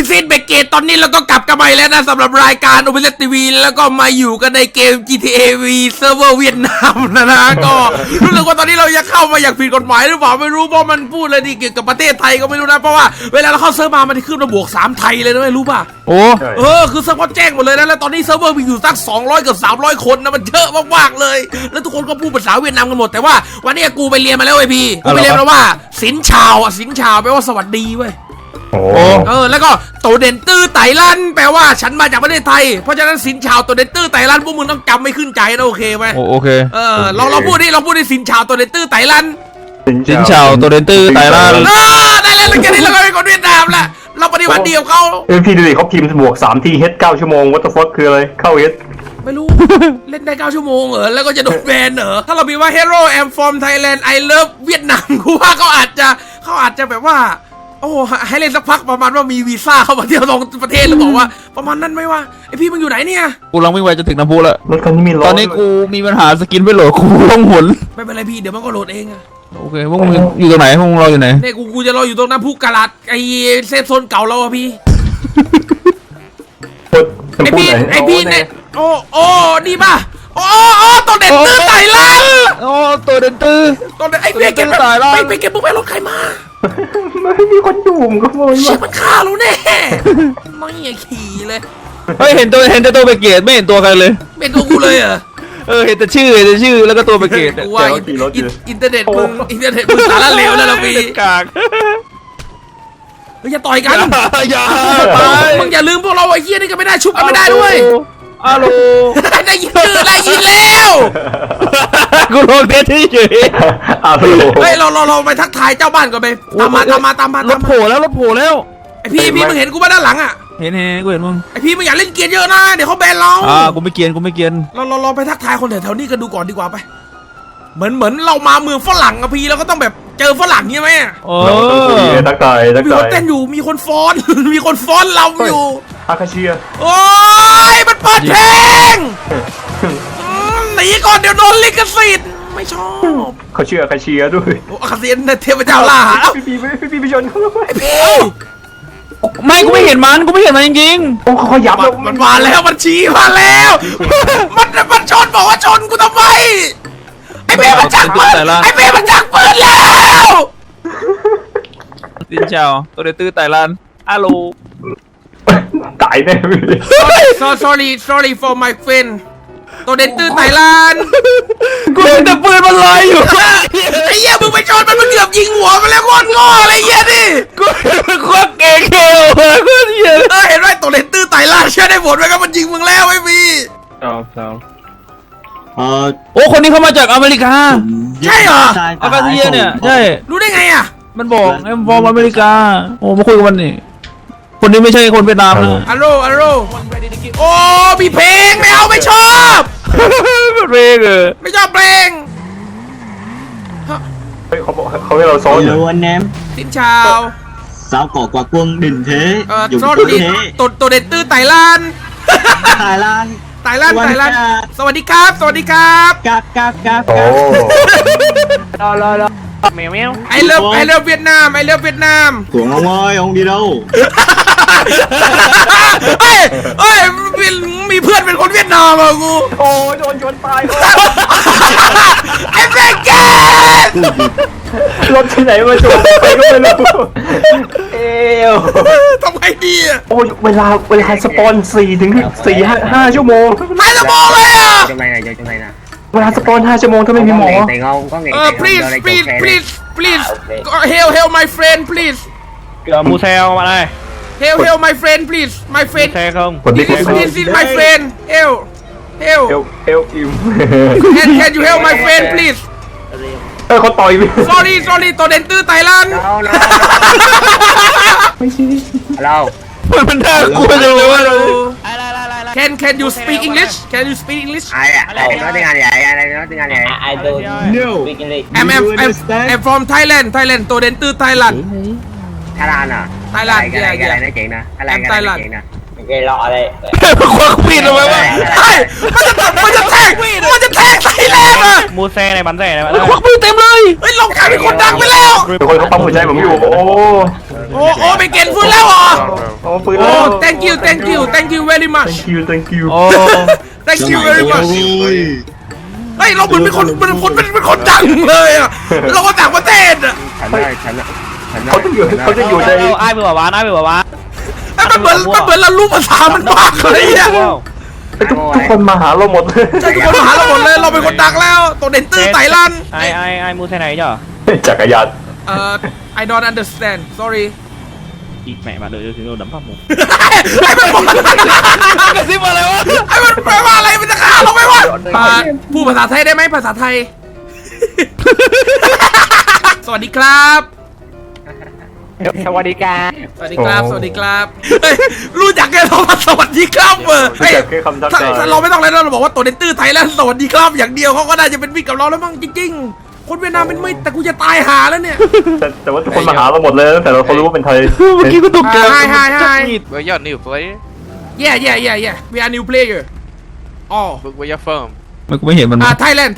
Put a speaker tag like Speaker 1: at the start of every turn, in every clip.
Speaker 1: ซิดเบเกตตอนนี้เราก็กลับกันไปแล้วนะสำหรับรายการโอเปร่าทีวีแล้วก็มาอยู่กันในเกม GTA V เซิร์ฟเวอร์เวียดนามนะก็รู้สึกว่าตอนนี้เราจะเข้ามาอย่างผิดกฎหมายหรือเปล่าไม่รู้เพราะมันพูดอะไรดีเกี่ยวกับประเทศไทยก็ไม่รู้นะเพราะว่าเวลาเราเข้าเซิร์ฟมามันจะขึ้นมาบวก3ไทยเลยนะไม่รู้ป่ะ
Speaker 2: โอ้
Speaker 1: คือเซิร์ฟเวอร์แจ้งหมดเลยนะแล้วตอนนี้เซิร์ฟเวอร์มีอยู่สัก200กับ300คนนะมันเยอะมากๆเลยแล้วทุกคนก็พูดภาษาเวียดนามกันหมดแต่ว่าวันนี้กูไปเรียนมาแล้วไอ้พี่กูไปเรียนมาว่าสินชาวสินชาวแปลว่าสวัสดีเว้ยแล้วก็โตเด่นตื้อไต่ลันแปลว่าฉันมาจากประเทศไทยเพราะฉะนั้นสินชาวโตเด่นตื้อไต่ลันพวกมึงต้องจำไม่ขึ้นใจนะโอเคไหม
Speaker 2: โอเค
Speaker 1: เราพูดดิสินชาวโตเด่นตื้อไต่ลัน
Speaker 2: สินชาวตัวเดนตื้อไต่ลัน
Speaker 1: ได้แล้วแค่นี้เราก็เป็นคนเวียดนามละเราปฏิบัติดีกับเขา
Speaker 3: พี่ดูดิเขาพิมพ์บวก3ทีเฮด9 ชั่วโมงวัตถุฟอสคืออะไรเข้าเฮด
Speaker 1: ไม่รู้ เล่นได้9 ชั่วโมงแล้วก็จะโดนแบนถ้าเราพิมพ์ว่า Hero I'm from Thailand I love เวียดนามกูว่าเขาอาจจะแบบว่าโอ้ให้เล่นสักพักประมาณว่ามีวีซ่าเข้ามาเที่ยวตรงประเทศหรือบอกว่าประมาณนั้นไหมวะไอพี่มึงอยู่ไหนเนี่ย
Speaker 2: กูกำลังวิ่งไปจะถึงน้ำพุแล้ว
Speaker 3: รถคันนี้มีล้อ
Speaker 2: ตอนนี้กูมีปัญหาสกินไม่โหลดกูต้องหมุน
Speaker 1: ไม่เป็นไรพี่เดี๋ยวมันก็โหลดเองอะ
Speaker 2: โอเคพวกมึงอยู่ตรงไหนพวกมึงรออยู่ไหน
Speaker 1: เนี่ยกูจะรออยู่ตรงน้ำพุกาลัดไอเซฟโซนเก่าเราอะพี่ไอพี่เนี่ยโอ้ดีป่ะโอ้ตัวเด่นตื้อไต่ลัน
Speaker 2: ตัวเด่นตื้อ
Speaker 1: ไอเพี้ยเก็บไปเก็บพวกไปรถใครมา
Speaker 3: ไม่มีคนดูมก็โวย
Speaker 1: เชี่ยมันฆ่าเราแน่ไม่ขี่เลย
Speaker 2: เฮ้ยเห็นแต่ตัวเบเกตไม่เห็นตัวใครเลย
Speaker 1: ไม่ตัวกูเลย
Speaker 2: เห็นแต่ชื่อแล้วก็ตัวเบเกต
Speaker 1: กูว่าอินเทอร์เน็ตมึงสารเลวแล้วเราพี่
Speaker 2: กาก
Speaker 1: อย่าต่อยกัน
Speaker 2: อย่า
Speaker 1: มึงอย่าลืมพวกเราไอ้เหี้ยนี่ก็ไม่ได้ชุบกันไม่ได้ด้วย
Speaker 2: ฮัลโหล
Speaker 1: ได้ยินแล้ว
Speaker 2: กูลงเทสที่เฉย
Speaker 1: เฮ้ยเราไปทักทายเจ้าบ้านก่อนไปตามมาร
Speaker 2: ถโผล่แล้ว
Speaker 1: ไอพี่มึงเห็นกูมาด้านหลังอ่ะ
Speaker 2: เห็นกูเห็นมึง
Speaker 1: ไอพี่มึงอย่าเล่นเกียร์เยอะนะเดี๋ยวเขาแบนเรา
Speaker 2: กูไม่เกียร์
Speaker 1: เราไปทักทายคนแถวนี้กันดูก่อนดีกว่าไปเหมือนเรามาเมืองฝรั่งอะพี่เราก็ต้องแบบเจอฝรั่งใช่ไหม
Speaker 3: ทักทาย
Speaker 1: มีคนเต้นอยู่มีคนฟ้อนเราอยู่
Speaker 3: อาคาเชีย
Speaker 1: โอ้ยมันเปิดเพลงหนีก่อนเดี๋ยวโดนลิขสิทธิ์ไม่ชอบ
Speaker 3: เขาเชื่ออาคาเชียด้วย
Speaker 1: อาคาเชียเทพเจ้าล่า
Speaker 3: พี่ไปชนเขา
Speaker 1: ไอพี่
Speaker 2: ไม่กูไม่เห็นมันจริง
Speaker 3: ๆโอ้เขายับ
Speaker 1: มันมาแล้วมันชี้มาแล้วมันชนบอกว่าชนกูทำไมไอเบย์มันจักปืนแล้ว
Speaker 2: สินเจ้าตัวเดตื้อไต่ลันฮัลโหล
Speaker 3: ตายแน่
Speaker 1: sorry for my friend ตัวเด่นตื้อไต่ลัน
Speaker 2: กูเห็นแต่ปืนมันลอยอยู่
Speaker 1: ไอ้เหี้ยมึงไปชนมันเกือบยิงหัวมันแล้วโคตรโง่อะไรเงี้ยดิ
Speaker 2: กูควักเก่งเขี้ยวโคตรเหี้ย
Speaker 1: เห็นไหมตัวเด่นตื้อไต่ลันเชื่อได้ผลไหมครับมันยิงมึงแล้วไอ้พี่
Speaker 2: โอ้คนนี้เขามาจากอเมริกา
Speaker 1: ใช่เหรอ
Speaker 2: อากาเซียเนี่ยใช่
Speaker 1: รู้ได้ไงอ่ะ
Speaker 2: มันบอกไอ้ฟอร์มอเมริกาโอ้มาคุยกับมันนี่คนนี้ไม่ใช่คนเวียดนามนะ
Speaker 1: อัลโหลโอ้มีเพลงไม่ชอบ
Speaker 2: เพลง
Speaker 1: ไม่ชอบเพลง
Speaker 3: เฮ้ยเขาให้เราซ้อนอยู่
Speaker 4: anh em
Speaker 1: สินชาว
Speaker 4: sao có quả quân đình thế
Speaker 1: ตัวเด็ดตื้อไต่ลัน
Speaker 4: Thái Lan
Speaker 1: ไต่ลันสวัสดีครับ
Speaker 4: cáp
Speaker 3: โอ้
Speaker 2: รอแมว
Speaker 1: I love เวียดนาม
Speaker 4: Tuấn ông ơi ông đi đâu
Speaker 1: เฮ้ยมีเพื่อนเป็นคนเวียดนามอ่ะกู
Speaker 3: โอ้ยโดนชนตาย
Speaker 1: ไอ้เบเกต
Speaker 3: รถที่ไหนมาชนไปก็ไม่รู้
Speaker 1: ทำไงดีอ่ะ
Speaker 3: โอ้ยเวลาสปอน4 ถึง 5 ชั่วโมง
Speaker 1: 5 ชั่วโมงเลยอ่ะ
Speaker 3: เวลาสปอน5 ชั่วโมงถ้าไม่มีหมอ
Speaker 1: please help my friend please
Speaker 2: มูเซลมาเลย
Speaker 1: help my friend please my friend
Speaker 2: ใช่ครับ
Speaker 1: this is my friend help can you help my friend please
Speaker 3: เขาต่อยไป
Speaker 1: sorry ตัวเด่นตื้อไต่ลัน
Speaker 4: เรา
Speaker 2: มันน่ากลัวจังเลยว่า
Speaker 1: Can you speak English
Speaker 4: ai à nói tiếng Anh vậy I don't speak English
Speaker 1: I'm from Thailand ตัวเด่นตื้อไต้หวัน
Speaker 4: Thái Lan à
Speaker 1: Thái Lan
Speaker 4: cái này nói chuyện nè Thái Lan nói chuyện nè ok cái lọ đây
Speaker 2: มันควักมีดทำไมวะ
Speaker 1: ไอ้มันจะแทงไทยแลนด์อ่ะ
Speaker 5: มูเซ่ในบันเซ่ในบัน
Speaker 2: มันควักมีดเต็มเลย
Speaker 1: เฮ้ยเรากลายเป็นคนดังไปแล้ว
Speaker 3: เป็นคนเขาปั๊มหัวใจผมอยู่
Speaker 1: โอ้ไปเกณฑ์ฟื้นแล้วเหรอ
Speaker 3: โอ้ปืน
Speaker 1: โอ้
Speaker 3: แล้ว
Speaker 1: thank you very much
Speaker 3: thank you
Speaker 2: โอ้
Speaker 1: thank you very much เฮ้ยเราเหมือนเป็นคนดังเลยอ่ะเราก็ต่างประเทศอ่ะ
Speaker 3: เขาจะอยู่ใน
Speaker 5: ไอ้เบื่อวะไอ้เบื่อวะ
Speaker 1: มันเหมือนเรารู้ภาษามันมากเลยอ่ะ
Speaker 3: ทุกคนมาหาเราหมดเลย
Speaker 1: ใช่ทุกคนมาหาเราหมดเลยเราเป็นคนดังแล้วตัวเด่นตื้อไต่ลัน
Speaker 5: ไอ้มูเซ่ไหนจ้ะ
Speaker 3: จักรยาน
Speaker 1: I don't understand sorry
Speaker 5: อีกแม่มาเลยถึงโดนดับปั๊มหมู
Speaker 1: ไอ้มันบอก
Speaker 5: กระซิบอะไรวะ
Speaker 1: ไอ้มันแปลว่าอะไรมันจะฆ่าเราไหมวะพูดภาษาไทยได้ไหมภาษาไทย สวัสดีครับ
Speaker 5: สวัสดีครับ
Speaker 1: สวัสดีครับสวัสดีครับเฮ้ยรู้จักกันเรามาสวัสดีครับเฮ้ย
Speaker 3: แค่คำทัก
Speaker 1: ถ้า
Speaker 3: ทาย
Speaker 1: ถ้าเราไม่ต้องอะไรเราบอกว่าตัวเด่นตื้อไทยแล้วสวัสดีครับอย่างเดียวเขาก็น่าจะเป็นมิตรกับเราแล้วมั้งจริงๆคนเวียดนามเป็นมิตรแต่กูจะตายหาแล้วเนี่ย
Speaker 3: แต่ว่าทุกคนมาหาเราหมดเลยตั้งแต่เราเขารู้ว่าเป็นไทย
Speaker 2: เมื่อกี้กูตกใจ
Speaker 1: Hi
Speaker 6: Where you new player?
Speaker 1: yeah we are new player อ๋อ
Speaker 6: Where you from?
Speaker 2: มันกูไม่เห็นมัน
Speaker 1: Thailand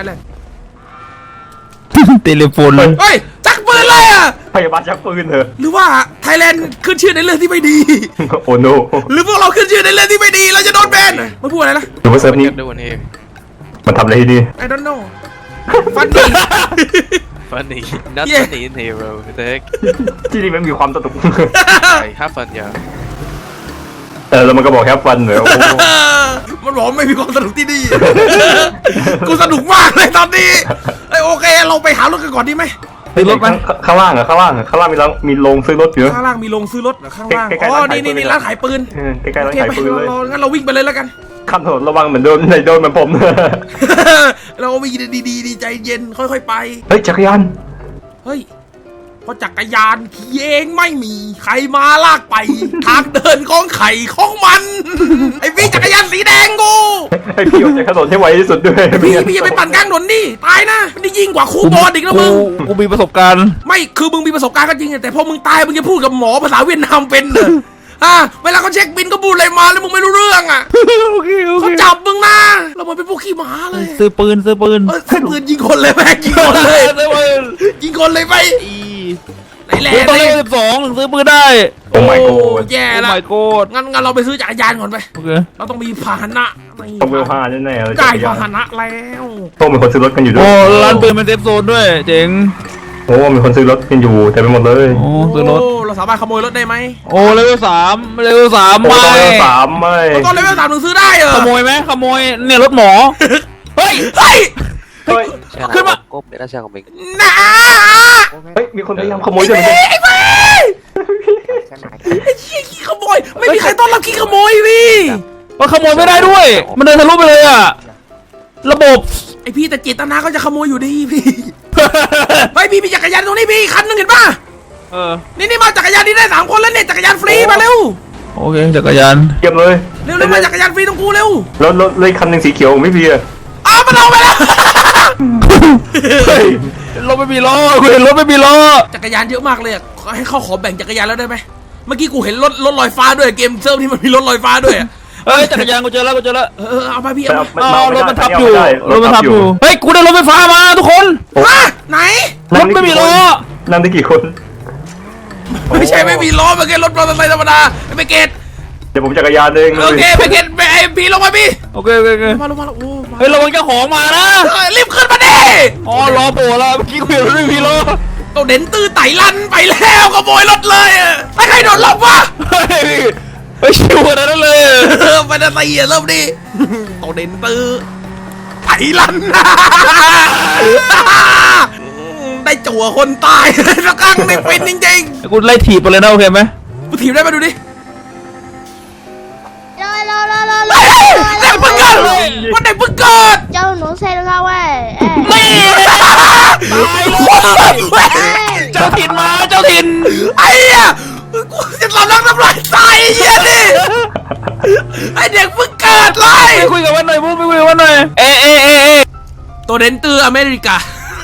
Speaker 2: เทเลโฟนเลย
Speaker 1: เฮ้ยจักปืนเลยอ่ะ
Speaker 3: พยาบาลชักปืนเถอะ
Speaker 1: หรือว่าไทยแลนด์ขึ้นชื่อในเรื่องที่ไม่ดี
Speaker 3: โอ้โน
Speaker 1: หรือพวกเราขึ้นชื่อในเรื่องที่ไม่ดีเราจะโดนแบนมันพูดอะไรนะ
Speaker 3: หรือว่าเซิร์ฟ
Speaker 6: What
Speaker 3: นี้
Speaker 6: you doing here?
Speaker 3: มันทำอะไรที่นี่
Speaker 1: I don't know funny
Speaker 6: Funny. Not
Speaker 1: Yeah.
Speaker 6: funny in here, bro. What the heck?
Speaker 3: ที่นี่มันมีความสนุก
Speaker 6: Hey, have fun, yeah.
Speaker 3: แล้วมันก็บอกแฮปฟันเหมือนโอ้
Speaker 1: มันบอกไม่มีความสนุกที่นี่ กูสนุกมากเลยตอนนี้เอ้ยโอเคเราไปหารถกันก่อนดีไหม
Speaker 2: ซื้อรถไหม
Speaker 3: ข้างล่างมีโรงซื้อรถอยู่
Speaker 1: ข้างล่างมีโรงซื้อรถเหรอข้างล่าง
Speaker 3: ใกล้ๆ
Speaker 1: อ๋อ
Speaker 3: ร้านขายปืน
Speaker 1: นี่ร้านขายปืน
Speaker 3: ใกล้ๆร้าน
Speaker 1: โอเค
Speaker 3: ขาย
Speaker 1: ไป
Speaker 3: ปืนเลย
Speaker 1: งั้นเราวิ่งไปเลยแล้วกัน
Speaker 3: ข้ามถนนระวังเหมือนโดนเหมือนผม
Speaker 1: เราวิ่งดีๆใจเย็นค่อยๆไป
Speaker 3: เฮ้ยจักรยาน
Speaker 1: เฮ้ยเพราะจักรยานขี่เองไม่มีใครมาลากไป ทางเดินของไข่ของมัน ไอ้พี่จักรยานสีแดงกู
Speaker 3: ไอพี่ออกจากถนนให้ไวที่สุดด้วย
Speaker 1: พี่อย่าไปปั่นกลางถนนนี่ตายนะมันได้ยิ่งกว่าครูบอลอีกนะมึง
Speaker 2: กูมีประสบการณ์
Speaker 1: ไม่คือมึงมีประสบการณ์ก็จริงแต่พอมึงตายมึงจะพูดกับหมอภาษาเวียดนามเป็นเหรอเวลาเขาเช็คบินก็พูดอะไรมาแล้วมึงไม่รู้เรื่องอ่ะ
Speaker 2: โอเค
Speaker 1: เขาจับมึงนะเรามันเป็นพวกขี้หมาเลย
Speaker 2: ซื้อปืน
Speaker 1: ซื้อปืนยิงคนเลยแม่ยิงคนเลย
Speaker 2: ซื้อปืน
Speaker 1: ยิงคนเลยไปไหนแหละ
Speaker 2: กูต้องเลเวล12ถึงซื้อปืนได้
Speaker 3: โอ้ my
Speaker 1: โอ้
Speaker 3: god
Speaker 1: แย่
Speaker 2: โอ้
Speaker 1: ละ
Speaker 2: my god
Speaker 1: งั้นเราไปซื้อจักรยานก่อนไป
Speaker 2: โอเค
Speaker 1: เราต้องมีพาหนะ
Speaker 3: ต้องเวลห้าแน่ๆเลย
Speaker 1: ได้
Speaker 3: จักรยา
Speaker 1: พาน หนะแล้ว
Speaker 3: โอ้มีคนซื้อรถกันอยู่ด้ว
Speaker 2: โอ้
Speaker 3: ย
Speaker 2: ร้านปืนเป็นเซฟโซนด้วยเจ๋ง
Speaker 3: โอ้มีคนซื้อรถกันอยู่เต็มไปหมดเลย
Speaker 2: โอ้ซื้อรถ
Speaker 1: เราสามารถขโมยรถได้ไหม
Speaker 2: โอ้เลเวล3เลเวล3
Speaker 3: โอ้
Speaker 2: ไม่
Speaker 3: ตอนเลเวล3ไม่
Speaker 1: ตอนเลเวล3ถึงซื้อได้เหรอ
Speaker 2: ขโมยไหมขโมยเนี่ยรถหมอ
Speaker 1: เฮ้ย
Speaker 3: เฮ้ย
Speaker 2: ขึ้นมา
Speaker 6: Cốp để nó xe của mình.
Speaker 1: นะ
Speaker 3: เฮ้ยมีคนพยายามขโมยด้วย
Speaker 1: ไอ้เว้ยไอ้เชี่ยขี้ขโมยไม่มีใครต้อนรับขี้ขโมยพี่
Speaker 2: มันขโมยไม่ได้ด้วย มันเดินทะลุไปเลยอะระบบ
Speaker 1: ไอพี่แต่เจตนาก็จะขโมยอยู่ดีพี่เฮ้ยพี่มีจักรยานตรงนี้พี่คันหนึงเห็นป่ะ
Speaker 2: เออ
Speaker 1: นี่มาจักรยานนี่ได้3 คนแล้วเนี่ยจักรยานฟรีมาเร็ว
Speaker 2: โอเคจักรยาน
Speaker 3: เก็บเลย
Speaker 1: เร็วมาจักรยานฟรีตรงกูเร็ว
Speaker 3: แล้วเลยคันหนึ่งสีเขียวไม่พี่อะ
Speaker 1: อ้าวมันเอาไปแล้ว
Speaker 3: เฮ้ย
Speaker 2: รถไม่มีล้อกูเห็นรถไม่มีล้อ
Speaker 1: จักรยานเยอะมากเลยอะให้เขาขอแบ่งจักรยานแล้วได้ไหมเมื่อกี้กูเห็นรถลอยฟ้าด้วยเกมเซิร์ฟที่มันมีรถลอยฟ้าด้วยอะ
Speaker 2: เฮ้ยจักรยานกูเจอแล้ว
Speaker 1: เอาไปพี่
Speaker 3: แต่
Speaker 1: เอา
Speaker 3: เอา
Speaker 2: รถมันทับ
Speaker 3: ไได้
Speaker 2: อยู่
Speaker 3: รถทับอยู่
Speaker 2: เฮ้ยกูได้รถไฟฟ้ามาทุกคน
Speaker 1: ฮะไหน
Speaker 2: รถไม่มีล้อ
Speaker 3: นั่งได้กี่คน
Speaker 1: ไม่ใช่ไม่มีล้อมันแค่รถมอเตอร์ไซค์ธรรมดาไปเกต
Speaker 3: เดี๋ยวผมจักรยานเอง
Speaker 1: โอเคไปเกตไปไอพี่ลงมาพี่
Speaker 2: โอเค
Speaker 1: มาลงโอ้มา
Speaker 2: เฮ้ยระวังเจ้าของมานะ
Speaker 1: รีบขึ้นมาดิ
Speaker 2: อ๋อล้อโผล่แล้วเมื่อกี้กูเห็นรถไม่มีล้อ
Speaker 1: ตัวเด่นตื้อไต่ลันไปแล้วขโมยรถเลยไม่ใครโดนล็อกวะ
Speaker 2: เฮ้ยเฮ้ยชิวขนาดนั้นเลย
Speaker 1: ไปนาตีเริ่มดิตัวเด่นตื้อไต่ลันได้จั่วคนตายสักครั้งในเป็นจริง
Speaker 2: กูไล่ถีบไปเลยนะโอเคไหม
Speaker 1: ๆกูถีบได้มาดูดิ
Speaker 7: Rồi,
Speaker 1: เด็กเพิ่งเกิดวันเด็กเพิ่งเกิด
Speaker 7: cho nó xe ra ngoài.
Speaker 1: นี่ตายเลย
Speaker 2: เจ้าถิ่นมาเจ้าถิ่น
Speaker 1: ไอ้เหี้ยกูจะทำน้ำลายตายไอ้เหี้ยนี่ไอ้เด็กเพิ่งเกิดเลย
Speaker 2: ไปคุยกับวันหน่อยพูดไปคุยกับวันหน่อยเอะ
Speaker 1: ตัวเด่นตื้ออเมริกา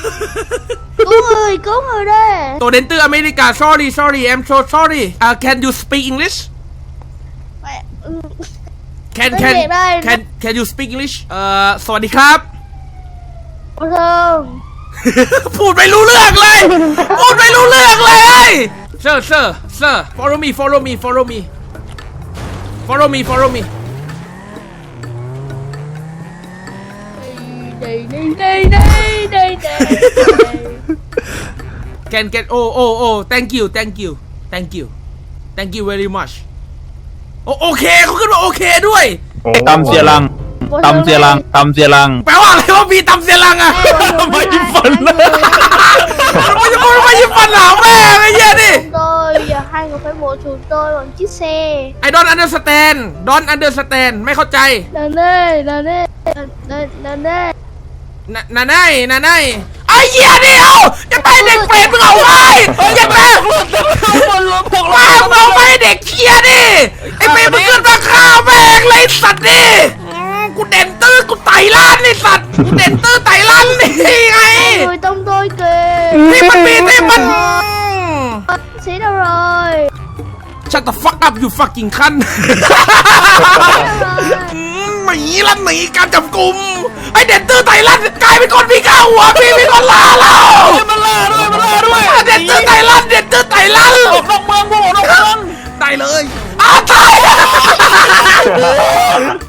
Speaker 7: Cứu người đi.
Speaker 1: ตัวเด่นตื้ออเมริกา sorry I'm so sorry can you speak English can
Speaker 7: ไม่
Speaker 1: can
Speaker 7: เบรกได้นะ
Speaker 1: can you speak English สวัสดีครับ
Speaker 7: โอ้โห
Speaker 1: พูดไม่รู้เรื่องเลย พูดไม่รู้เรื่องเลย sir follow me follow me follow me follow me follow me can get oh thank you very much โอเคเขาขึ้นมาโอเคด้วย
Speaker 2: ตำเสียรังตำเสียรังตำเสียรัง
Speaker 1: แปลว่าอะไรว่าพี่ตำเสียรังอะ
Speaker 2: ไม่ยิ้มฟันเลย
Speaker 1: ไม่จะพูดไม่ยิ้มฟันหาแม่ไอ้เหี้ยดิ
Speaker 7: tôi giờ hai người phải bổ chúng tôi bằng chiếc xe
Speaker 1: I don't understand ไม่เข้าใจ
Speaker 7: nè nè nè
Speaker 1: นาไอ้เหี้ยเดียวจะไปเด็กเปรตมึงเอาไว้อย่าแม่ว่ามึงเอาไปเด็กเคียดิไอ้เปรตมึงขึ้นมาฆ่าแม่งเลยสัตว์ดิกูเด่นตื้อกูไต่ล้านนี่สัตว์กูเด่นตื้อไต่ล้านนี่ไง
Speaker 7: người tông tôi kìa
Speaker 1: นี่มันมีนี่มัน
Speaker 7: xí đâu rồi
Speaker 1: Shut the fuck up you fucking คัน หนีลั่นหนีการจับกลุ่มไอเด่นตื้อไต่ลั่นกลายเป็นคนมีข้าวหัวพี่มีคนล่าเรามันล่าด้วยเด่นตื้อไต่ลั่นออกนอกเมืองได้เลยตาย